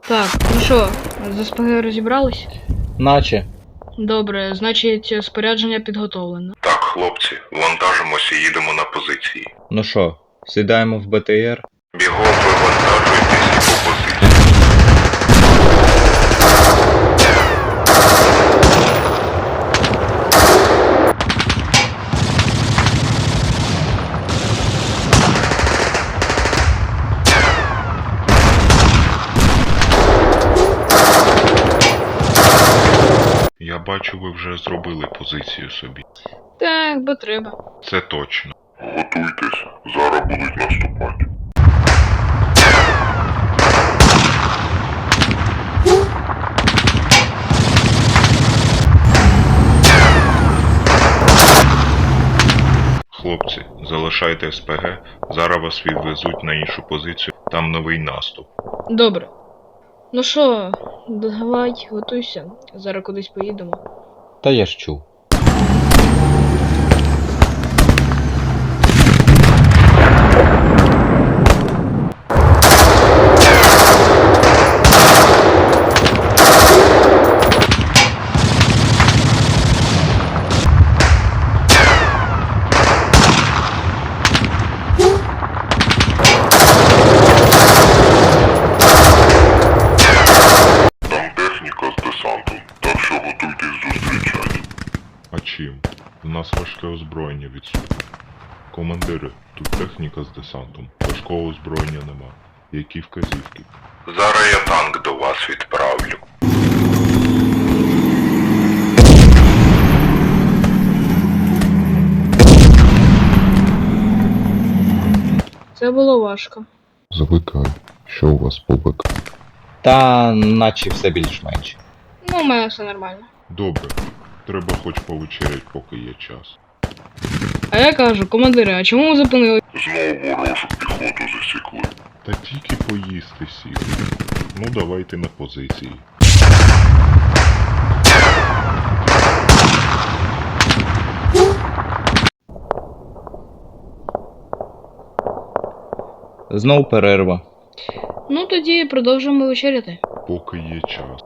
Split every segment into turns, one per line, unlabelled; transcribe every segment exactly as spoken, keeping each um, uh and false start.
Так, ну що, з СПГ розібрались?
Наче.
Добре, значить, спорядження підготовлено.
Так, хлопці, вантажимося і їдемо на позиції.
Ну що, сідаємо в БТР?
Бігом вивантажуйтесь і по позиції. Я бачу, ви вже зробили позицію собі.
Так, бо треба.
Це точно. Готуйтесь, зараз будуть наступати. Хлопці, залишайте СПГ, зараз вас відвезуть на іншу позицію, там новий наступ.
Добре. Ну що, давай, готуйся. Зараз кудись поїдемо.
Та я ж чув.
А чим? У нас важке озброєння відсутнє. Командири, тут техніка з десантом. Важкого озброєння нема. Які вказівки? Зараз я танк до вас відправлю.
Це було важко.
Звикаю. Що у вас по БК?
Та наче все більш-менш.
Ну, у мене все нормально.
Добре. Треба хоч повечерять, поки є час.
А я кажу, командири, а чому ми зупинили?
Знову ворожу піхоту засікли. Та тільки поїсти сіли. Ну давайте на позиції.
Знов перерва.
Ну тоді продовжуємо вечеряти.
Поки є час.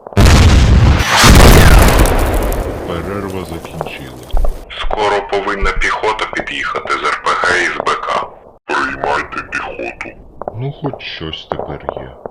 Перерва закінчила. Скоро повинна піхота під'їхати з РПГ і з БК. Приймайте піхоту. Ну хоч щось тепер є.